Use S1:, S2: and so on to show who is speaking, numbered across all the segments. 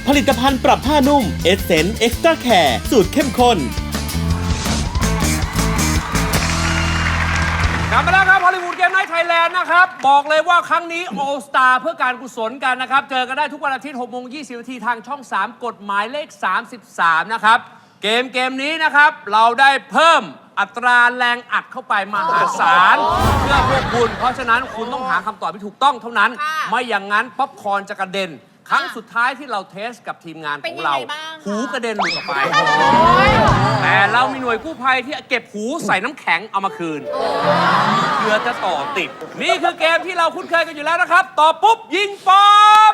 S1: ผลิตภัณฑ์ปรับผ้านุ่ม Essence Extra Care สูตรเข้มข้น
S2: กลับมาแล้วครับฮอลลีวูดเกมไนท์ไทยแลนด์นะครับบอกเลยว่าครั้งนี้ All Star เพื่อการกุศลกันนะครับเจอกันได้ทุกวันอาทิตย์ 6:20 น.ทางช่อง 3 กฎหมายเลข 33 นะครับเกมนี้นะครับเราได้เพิ่มอัตราแรงอัดเข้าไปมหาศาลเพื่อพวกคุณเพราะฉะนั้นคุณต้องหาคำตอบที่ถูกต้องเท่านั้นไม่อย่างนั้นป๊อปคอร์นจะกระเด็นครั้งสุดท้ายที่เราเทสกับทีมงานของเราหูกระเด็นหลุดออกไปแต่เรามีหน่วยกู้ภัยที่เก็บหูใส่น้ำแข็งเอามาคืนเพื่อจะต่อติดนี่คือเกมที่เราคุ้นเคยกันอยู่แล้วนะครับต่อปุ๊บยิงป๊อป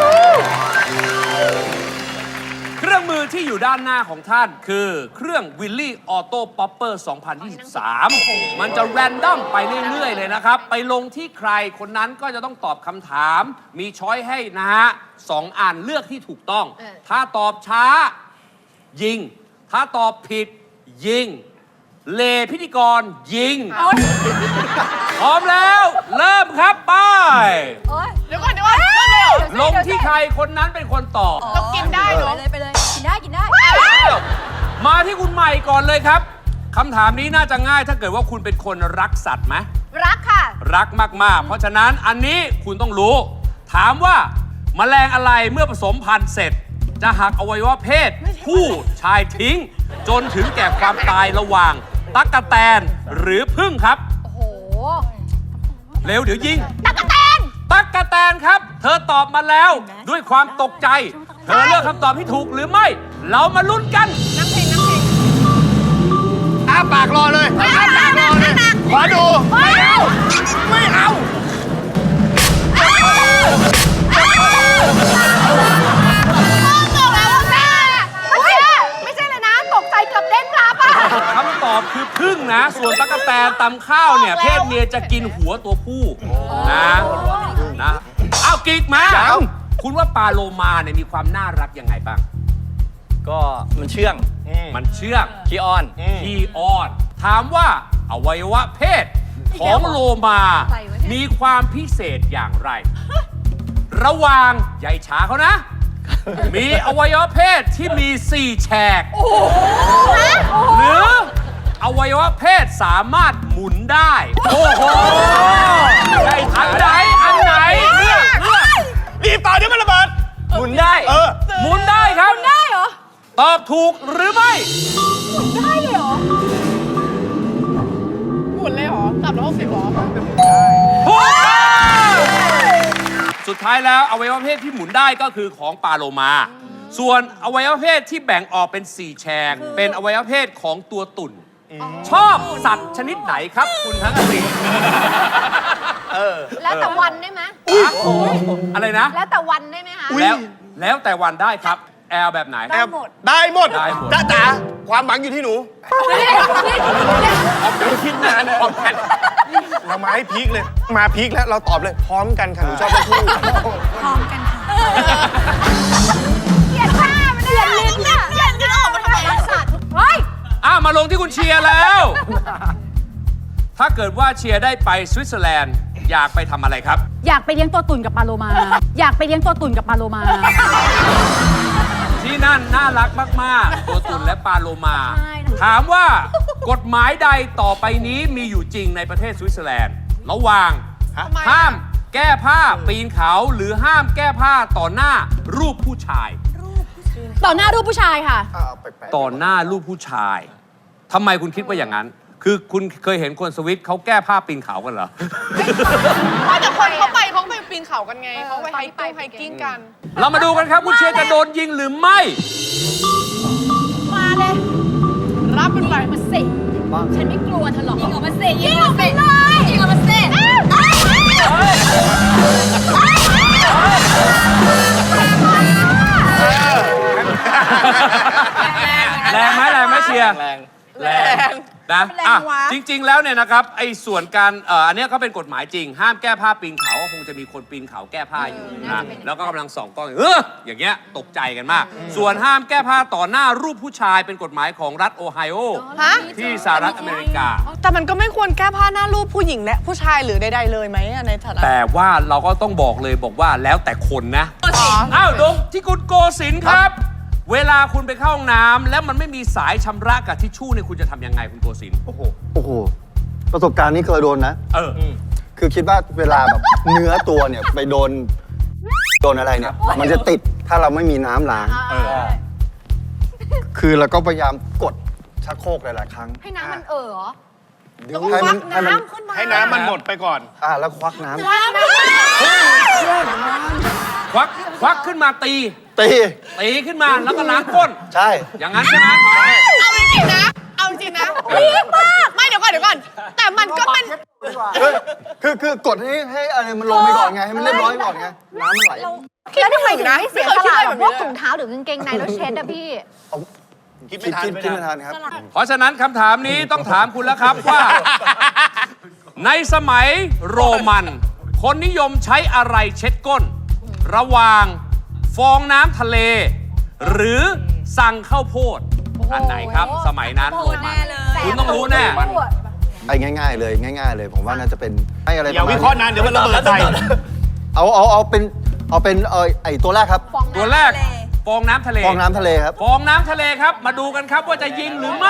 S2: เครื่องมือที่อยู่ด้านหน้าของท่านคือเครื่องวิลลี่ออโต้ป๊อปเปอร์ 2023 มันจะแรนดอมไปเรื่อยๆเลยนะครับไปลงที่ใครคนนั้นก็จะต้องตอบคำถามมีช้อยให้นะฮะ2 อันเลือกที่ถูกต้องถ้าตอบช้ายิงถ้าตอบผิดยิงเลพิธีกรยิงพร้อมแล้วเริ่มครับไป
S3: เดี๋ยวก่อนเริ่มเลยเหรอ
S2: ลงที่ใครคนนั้นเป็นคนตอบ
S3: เรากินได้เหรอ
S4: ไปเลยกินได้
S2: มาที่คุณใหม่ก่อนเลยครับคำถามนี้น่าจะง่ายถ้าเกิดว่าคุณเป็นคนรักสัตว์ไหม
S3: รักค่ะ
S2: รักมากๆเพราะฉะนั้นอันนี้คุณต้องรู้ถามว่าแมลงอะไรเมื่อผสมพันธุ์เสร็จจะหักอวัยวะเพศผู้ชายทิ้งจนถึงแก่ความตายระหว่างตั๊กแตนหรือผึ้งครับ
S4: โอ้โห
S2: เร็วเดี๋ยวยิง
S3: ตั๊กแตน
S2: ครับเธอตอบมาแล้วด้วยความตกใจเธอเลือกคำตอบที่ถูกหรือไม่เรามาลุ้นกัน
S3: น้ำเพลง
S5: อ้าปากรอเลยอ้าปากรอเลยขอดูไม่เอา
S3: ไม่ใช่เลยนะตกใจเกือบเด้งรับอ่ะ
S2: คำตอบคือผึ้งนะส่วนตั๊กแตนตำข้าวเนี่ยเพศเมียจะกินหัวตัวผู้นะเอากิ๊กมาคุณว่าปลาโลมาเนี่ยมีความน่ารักยังไงบ้าง
S5: ก็มันเชื่องขี้อ้อน
S2: ถามว่าอวัยวะเพศของโลมามีความพิเศษอย่างไรระหว่างใหญ่ช้าเขานะมีอวัยวะเพศที่มี4 แฉกหรืออวัยวะเพศสามารถหมุนได้โอ้โหอันไหนเลือก
S5: รีบต่อเดี๋ยวมันระเบิดหมุนได้
S2: หมุนได้ครับ
S4: หมุนได้เหรอ
S2: ตอบถูกหรือไม่
S4: หมุนได้เลยเหรอ
S3: หมุนเลยเหรอ360เหรอ
S2: สุดท้ายแล้วอวัยวะเพศที่หมุนได้ก็คือของปลาโลมาส่วนอวัยวะเพศที่แบ่งออกเป็น4 แฉกเป็นอวัยวะเพศของตัวตุ่นชอบสัตว์ชนิดไหนครับคุณทั้งสี่
S3: แล้วแต่วันได้ไหม
S2: อะไรนะ
S3: แล้วแต่วันได้ไหมคะ
S2: แล้วแต่วันได้ครับแอลแบบไหน
S5: ได้หมดจ้าจ๋าความหวังอยู่ที่หนูคิดนานเลยเรามาให้พีคเลยมาพีคแล้วเราตอบเลยพร้อมกันค่ะหนูชอบทั้งคู่
S4: พร้อมกันค่ะ
S3: เกลียดผ้ามันเกลียดลิ้นอ่ะเกลียดลิ้นออกมาทำไมรักสัตว์
S4: เฮ้ย
S2: มาลงที่คุณเชียร์แล้วถ้าเกิดว่าเชียร์ได้ไปสวิตเซอร์แลนด์อยากไปทำอะไรครับ
S4: อยากไปเลี้ยงตัวตุ่นกับปลาโลมา
S2: ที่นั่นน่ารักมากๆตัวตุ่นและปลาโลมาถามว่ากฎหมายใดต่อไปนี้มีอยู่จริงในประเทศสวิตเซอร์แลนด์ระหว่างห้ามแก้ผ้าปีนเขาหรือห้ามแก้ผ้าต่อหน้ารูปผู้ชาย
S4: ต่อหน้ารูปผู้ชายค่ะ
S2: ต่อหน้ารูปผู้ชายทำไมคุณคิดว่าอย่างนั้นคือคุณเคยเห็นคนสวิตเขาแก้ผ้าปีนเขากันเหรอ
S3: แต่คนเขาไปปีนเขากันไงเขาไปไฮกิ้งกัน
S2: เรามาดูกันครับคุณเชียร์จะโดนยิงหรือไม่
S4: มาเลย
S3: รับเป็นไร
S4: มาสิฉันไม่กลัวเธอหรอกยิงออกมาสิยิงออกมาเลยยิงออกมาสิ
S2: แรงไหมเชียร์แรงนะ
S3: แรงวะ
S2: จริง ๆ แล้วเนี่ยนะครับไอ้ส่วนการอันเนี้ยก็เป็นกฎหมายจริง ห้ามแก้ผ้าปีนเขาก็คงจะมีคนปีนเขาแก้ผ้าอยู่นะแล้วก็กำลังส่องกล้องอย่างเงี้ยตกใจกันมาก ส่วนห้ามแก้ผ้าต่อหน้ารูปผู้ชายเป็นกฎหมายของรัฐโอไฮโอ
S3: ฮะ
S2: ที่สหรัฐอเมริกา
S3: แต่มันก็ไม่ควรแก้ผ้าหน้ารูปผู้หญิงและผู้ชายหรือใดๆเลยไหมอะในฐานะ
S2: แต่ว่าเราก็ต้องบอกเลยบอกว่าแล้วแต่คนนะอ้าวดงที่คุณโกศินทร์ครับ เวลาคุณไปเข้าห้องน้ำแล้วมันไม่มีสายชำระกับทิชชู่เนี่ยคุณจะทำยังไงคุณโกศินทร์
S5: โอ้โห
S6: โอ้โห ประสบการณ์นี้เคยโดนนะ คือคิดว่าเวลาแบบ เนื้อตัวเนี่ยไปโดนอะไรเนี่ย มันจะติดถ้าเราไม่มีน้ำล้างคือเราก็พยายามกดชักโครกหลายๆครั้ง
S4: ให้น้ำมันเหรอ
S6: ให้มัน
S5: ให้น้ำมันหมดไปก่อน
S6: แล้วควักน้ำ
S2: ควักขึ้นมาตี
S6: ตี
S2: ขึ้นมาแล้วก็ล้างก้น
S6: ใช่
S2: อย่างนั้นใช่ไหม
S3: เอาจริงๆนะ เอาจริงๆนะรีบมาก ไม่เดี๋ยวก่อน แต่มันก็เป็น
S6: คือกดให้อะไรมันลงไปก่อนไง ให้มันเรียบร้อยก่อนไง น้ำมันไหล
S4: แล้วทำไมถึงไม่เสียสละ
S3: ไม่เคยคิดอะไร
S4: แบ
S3: แบบ บ
S4: พวก
S3: นี้เลย
S4: ถุงเท้าหรือกางเกงในแล้วเช็ดอะพี่
S5: คิด
S6: คิ
S5: ไม่
S6: ด
S5: ทัน
S6: ไม่ทันครับ
S2: เพราะฉะนั้นคำถามนี้ต้องถามคุณแล้วครับว่า ในสมัยโรมัน คนนิยมใช้อะไรเช็ดก้น ระหว่างฟองน้ำทะเล หรือสั่งข้าวโพดอันไหนครับ สมัยนั้นโรมันคุณต้องรู้แน่
S6: ไอ้ง่ายๆเลย ผมว่าน่าจะเป็นให้อะไร
S5: อย่าวิเคราะห์นานเดี๋ยวมันระเบิดใส่
S6: เอาเป็นไอ้ตัวแรกครับ
S2: ตัวแรกฟองน้ำทะเล
S6: ฟองน้ำทะเลครับ
S2: ฟองน้ำทะเลครับ มาดูกันครับว่าจะยิงหรือไม่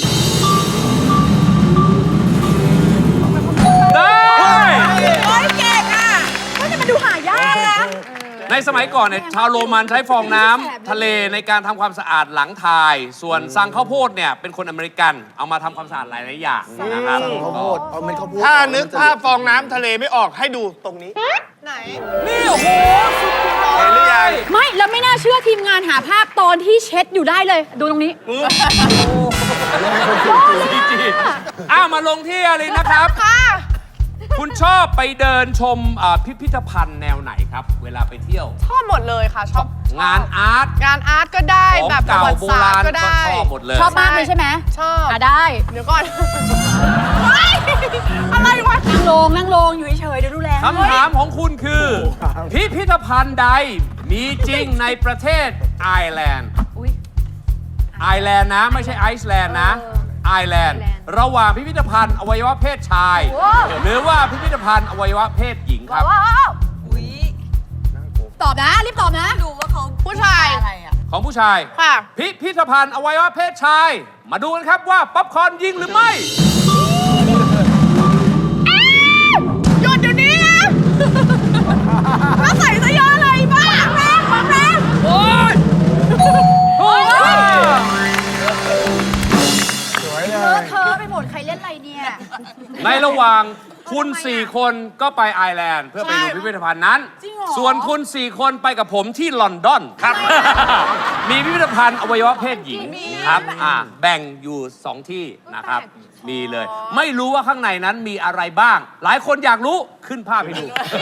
S2: ได้
S3: โอ้ยเก่งอ่ะ
S4: มันดูหายากนะ
S2: ในสมัยก่อนเนี่ยชาวโรมันใช้ฟองน้ำทะเลในการทำความสะอาดหลังทาย ส่วนซังข้าวโพดเนี่ยเป็นคนอเมริกันเอามาทำความสะอาดหลายๆอย่างนะครับ
S6: ข้าวโพดเอาเม็ดข้าวโพด
S5: ถ้านึกภาพฟองน้ำทะเลไม่ออกให้ดูตรงนี้
S3: ไหน
S2: นี่โอ้โหสุดยอด
S5: เห็นหรือยัง
S4: ไม่แล้วไม่น่าเชื่อทีมงานหาภาพตอนที่เช็ดอยู่ได้เลย ดูตรงนี้
S2: อ้าวมาลงที่อะไรนะครับ
S3: ค่ะ
S2: คุณชอบไปเดินชมพิพิธภัณฑ์แนวไหนครับ เวลาไปเที่ยว
S3: ชอบหมดเลยค่ะ ชอบ
S2: งานอาร์ต
S3: งานอาร์ตก็ได้
S2: ของ
S3: แบบประ
S2: เก่า
S3: วัติ
S2: โบ
S3: ศาส
S2: รา
S3: ต
S2: ณ
S3: ร์ก็
S2: ก็
S3: ได้
S2: ชอบหมดเลย
S4: ชอบมากเลยใช่ไหม
S3: ชอบ
S4: ได้
S3: เดี๋ยวก่อน อะไรวะ
S4: นั่งลงอยู่เฉยๆเดี๋ยวดูแล
S2: คำถามของคุณคือ พิพิธภัณฑ์ใดมีจริงในประเทศไอร์แลนด์
S4: อุ๊ย
S2: ไอร์แลนด์นะ ไม่ใช่ไอซ์แลนด์นะไอร์แลนด์ระหว่างพิพิธภัณฑ์อวัยวะเพศชาย หรือว่าพิพิธภัณฑ์อวัยวะเพศหญิงครับ
S4: ว้าวตอบนะ รีบตอบนะ ดูว่าเขา
S3: ผู้ชาย
S4: อะไรอ่ะ
S2: ของผู้ชาย
S3: ค่ะ
S2: พิพิธภัณฑ์อวัยวะเพศชาย มาดูกันครับว่าป๊อปคอร์นยิงหรือไม่
S3: หยุดเดี๋ยวนี้นะแล้วใส่เสื้อยืดอะไรบ้าแรงความแรง
S2: โอ้ยโอ้ย
S4: เธอไปหมดใครเล่นอะไรเนี่ย
S2: ในระหว่างคุณ 4 คนก็ไปไอร์แลนด์เพื่อไปดูพิพิธภัณฑ์นั้น ส่วนคุณ 4 คนไปกับผมที่ลอนดอนครับ มีพิพิธภัณฑ์อวัยวะเพศหญิงครับแบ่งอยู่ 2 ที่นะครับ มีเลย ไม่รู้ว่าข้างในนั้นมีอะไรบ้าง หลายคนอยากรู้ขึ้นภาพให้ดู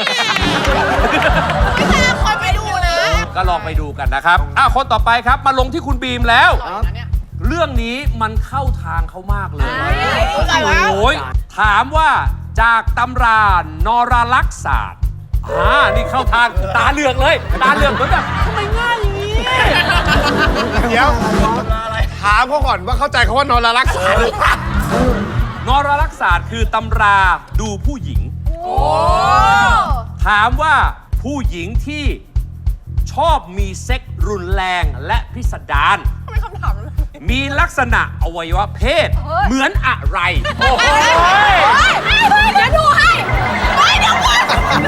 S3: ไม่ใช่คอยไปดูนะ
S2: ก็ลองไปดูกันนะครับคนต่อไปครับมาลงที่คุณบีมแล้ว เรื่องนี้มันเข้าทางเขามากเลย
S3: อะไรวะ
S2: โอ้ยถามว่าจากตำรานรลักษศาสตร์นี่เข้าทางตาเหลือกเลย ตาเหลือกเหมือนแบบทำไมง่ายอย่างนี้
S5: เดี๋ยวถามเขาก่อนว่าเข้าใจเขาว่านอนละรักษาหรือเปล่าน
S2: รลักษศาสตร์คือตำราดูผู้หญิง ถามว่าผู้หญิงที่ชอบมีเซ็กส์รุนแรงและพิสดาร
S3: ทำไมคำถามนั้น
S2: มีลักษณะอวัยวะเพศ เหมือนอะไร โอ้โห
S4: เดี๋ยวดูให้
S3: เดี๋ยวก่อน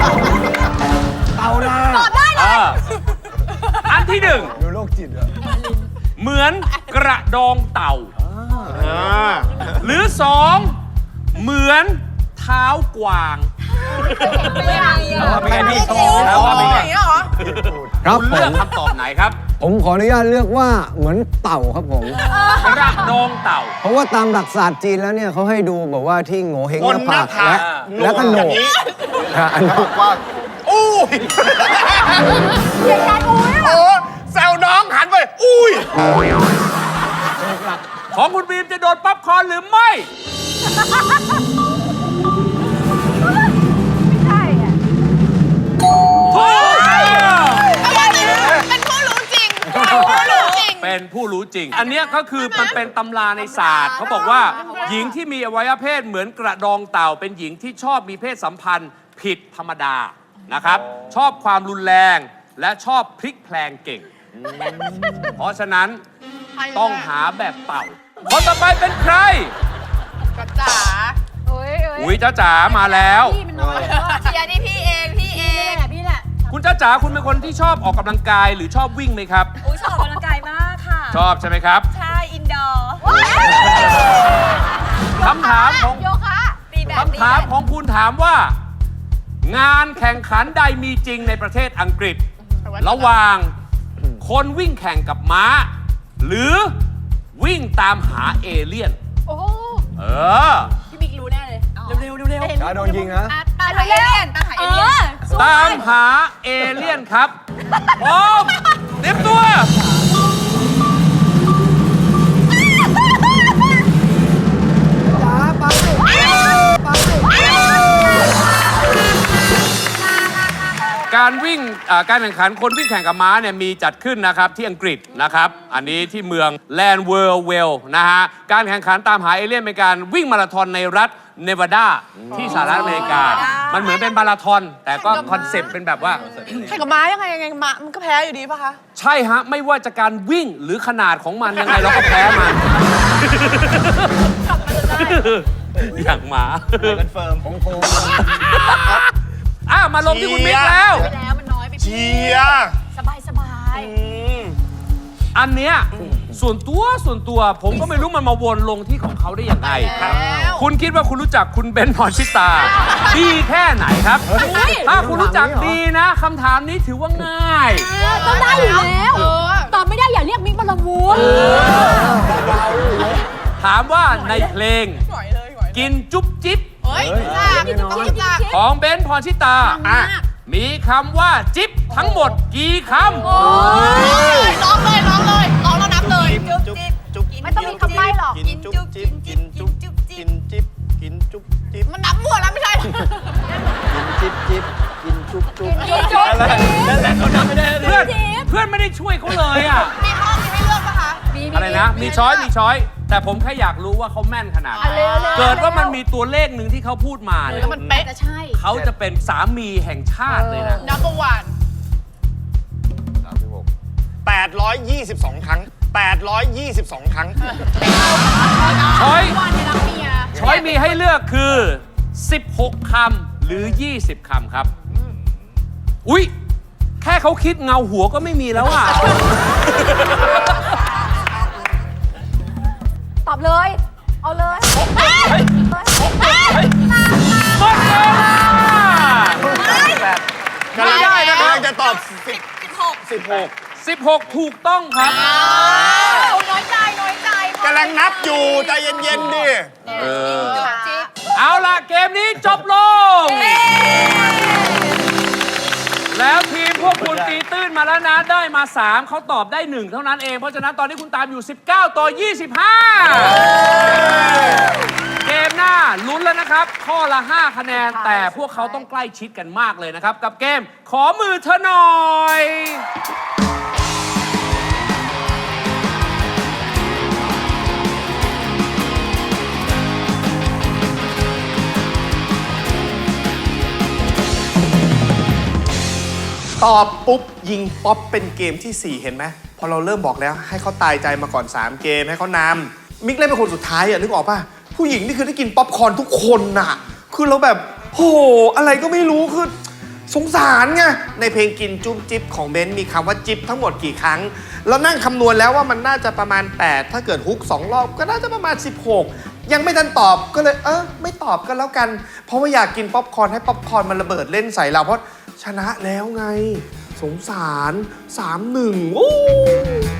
S4: ตอบได้เลย
S2: อันที่หนึ่ง
S6: ดูโรคจิตอะ
S2: เหมือนกระดองเต่า หรือสองเหมือนเท้ากวาง
S4: ไม่ได้
S2: โชว์แล้วว่าเป็นไง
S3: อย่างเงี้ยเหรอ
S7: ครับ
S2: คุณ
S7: ผ
S2: เลือก
S7: ม
S2: คำตอบไหนครับ
S7: ผมขออนุญาตเลือกว่าเหมือนเต่าครับผม
S2: กระดองเต่า
S7: เพราะว่าตามหลักศาสตร์จีนแล้วเนี่ยเขาให้ดูแบบว่าที่โง่เฮง
S5: บ
S7: ห
S5: น
S7: น้า
S5: หน้า
S7: ผาก
S5: ผาก
S7: และก็โหน
S5: อย่าง
S7: ก
S5: นี้
S7: อันนี้
S6: ว่า
S5: อู้ยโอ้แซวน้องหันไป อุ้ย
S2: ของคุณบีมจะโดนป๊อปคอร์นหรือไม่
S3: ใช่อะ
S2: ถูก
S3: เป็นผู้รู้จริงเป็นผู้รู้จริง
S2: เป็นผู้รู้จริง อันเนี้ยก็คือมันเป็นตำราในศาสตร์เขาบอกว่า หญิงที่มีอวัยวะเพศเหมือนกระดองเต่า เป็นหญิงที่ชอบมีเพศสัมพันธ์ผิดธรรมดานะครับ ชอบความรุนแรงและชอบพลิกแพลงเก่ง เพราะฉะนั้นต้องหาแบบเต่าคนต่อไปเป็นใคร
S3: ก็จ๋า
S2: อุ้ยจ้าจ๋ามาแล้ว
S4: พี่มันน้อยเชียร์นี่พี่เองพี่แหละ
S2: คุณจ้าจ๋าคุณเป็นคนที่ชอบออกกำลังกายหรือชอบวิ่งไหมครับ
S4: อุ้ยชอบออกกำลังกายมากค่ะ
S2: ชอบใช่ไหมครับ
S4: ใช่อินดอร์
S2: คำถามของ
S3: โยคะ
S4: ตีแบบ
S2: คำถามของคุณถามว่า งานแข่งขันใดมีจริงในประเทศอังกฤษ ระหว่างคนวิ่งแข่งกับม้า หรือวิ่งตามหาเอเลี่ยน
S3: โอ้
S2: เออ
S4: พี่บิ๊กรู้แน่เลยเร็ว
S7: จ้าโดนยิงนะ
S3: ตาหายเลี่ยน
S4: ตามหาเอเลี่ยน
S2: ตามหาเอเลี่ยนครับพร้อมเตรียมตัว การวิ่งการแข่งขันคนวิ่งแข่งกับม้าเนี่ยมีจัดขึ้นนะครับที่อังกฤษนะครับ อันนี้ที่เมืองแลนด์เวอร์เวลนะฮะ การแข่งขันตามหาเอเลี่ยนเป็นการวิ่งมาราธอนในรัฐเนวาดาที่สหรัฐอเมริกา มันเหมือนเป็นมาราธอนแต่ก็คอนเซปต์เป็นแบบว่า
S3: แข่งกับม้ายังไงม้ามันก็แพ้อยู่ดีป่ะคะ
S2: ใช่ฮะ ไม่ว่าจะการวิ่งหรือขนาดของมันยังไงเราก็แพ้มัน อย่างหมา
S5: กันเฟิร์มของโค
S2: มาลงที่คุณบิ๊กแล้ว
S4: ไปแล้วมันน้อยไป
S5: เชียร์
S4: สบาย
S2: อันเนี้ยส่วนตัวผมก็ไม่รู้มันมาวนลงที่ของเขาได้ยังไงครับ คุณคิดว่าคุณรู้จักคุณเบนซ์พรชิตา ดีแค่ไหนครับ ถ้าคุณรู้จักดีนะคำถามนี้ถือว่าง่าย
S4: ต้องได้อยู่แล้วตอบไม่ได้อย่าเรียกมิกบอลวูน
S2: ถามว่าในเพลง กินจุ๊บจิ๊บ
S3: เฮ้ยต้องรู้จัก
S2: ของเบนซ์พรชิตา มีคำว่าจิ๊บทั้งหมดกี่คำ
S3: ร้องเลยร้องแล้วนับเลย
S4: จุ๊บจิ๊บ
S5: จุ๊บ
S3: ไม่ต้องมีคำใบ้หรอก
S5: กินจุ๊บจิ๊บกินจุ๊บจิ๊บกินจิ๊บกินจุ๊บจิ๊บ
S3: มันนับมั่วแล้วไม่ใช่
S7: จิ๊บจิ๊บกินจุ๊บจุ๊บ
S5: นั่นแหละเขาทำไม่ได้
S2: เพื่อนไม่ได้ช่วยเขาเลยอ่ะ
S3: มีข้อมีให้เลือกป่ะคะ
S2: อะไรนะ มีช้อย แต่ผมแค่อยากรู้ว่าเขาแม่นขนาดไหน เกิดว่ามันมีตัวเลขหนึ่งที่เขาพูดมาเนี่ย
S3: มันเป๊ะ
S4: จะใช่
S2: เขาจะเป็นสามีแห่งชาติเลยนะ
S3: นับประวัน
S5: 822 ครั้ง 822 ครั้ง
S2: ช้อย
S4: วันในรักเมีย
S2: ช้อยมีให้เลือกคือ 16 คำหรือ 20 คำครับ อุ๊ย แค่เขาคิดเงาหัวก็ไม่มีแล้วอ่ะ
S4: ตอบเลย เอาเลย
S2: หมดเวลาก
S5: ำลัง
S2: ได้นะครับ
S5: กำลังจะตอบ 16
S2: 16 ถูกต้องครับ
S4: น้อยใจ
S5: กำลังนับอยู่ใจเย็นๆดิ
S2: เอาล่ะ เกมนี้จบลง แล้วทีมพวกคุณตีตื้นมาแล้วนะ ได้มา 3 เขาตอบได้ 1 เท่านั้นเอง เพราะฉะนั้นตอนนี้คุณตามอยู่ 19 ต่อ 25 เกมหน้าลุ้นแล้วนะครับ ข้อละ 5 คะแนน แต่พวกเขาต้องใกล้ชิดกันมากเลยนะครับ กับเกมขอมือเธอหน่อย
S5: ตอบปุ๊บยิงป๊อปเป็นเกมที่ 4 เห็นไหมพอเราเริ่มบอกแล้วให้เขาตายใจมาก่อน 3 เกมให้เขานำมิกเล่นเป็นคนสุดท้ายอ่ะนึกออกป่ะผู้หญิงนี่คือได้กินป๊อปคอร์นทุกคนน่ะคือเราแบบโหอะไรก็ไม่รู้คือสงสารไงในเพลงกินจุ๊บจิ๊บของเบนซ์มีคำว่าจิ๊บทั้งหมดกี่ครั้งเรานั่งคำนวณแล้วว่ามันน่าจะประมาณ 8 ถ้าเกิดฮุก2 รอบก็น่าจะประมาณ 16 ยังไม่ทันตอบก็เลยไม่ตอบก็แล้วกันเพราะว่าอยากกินป๊อปคอร์นให้ป๊อปคอร์นมันระเบิดเล่นใส่เราเพราะชนะแล้วไงสงสาร 3-1 โอ้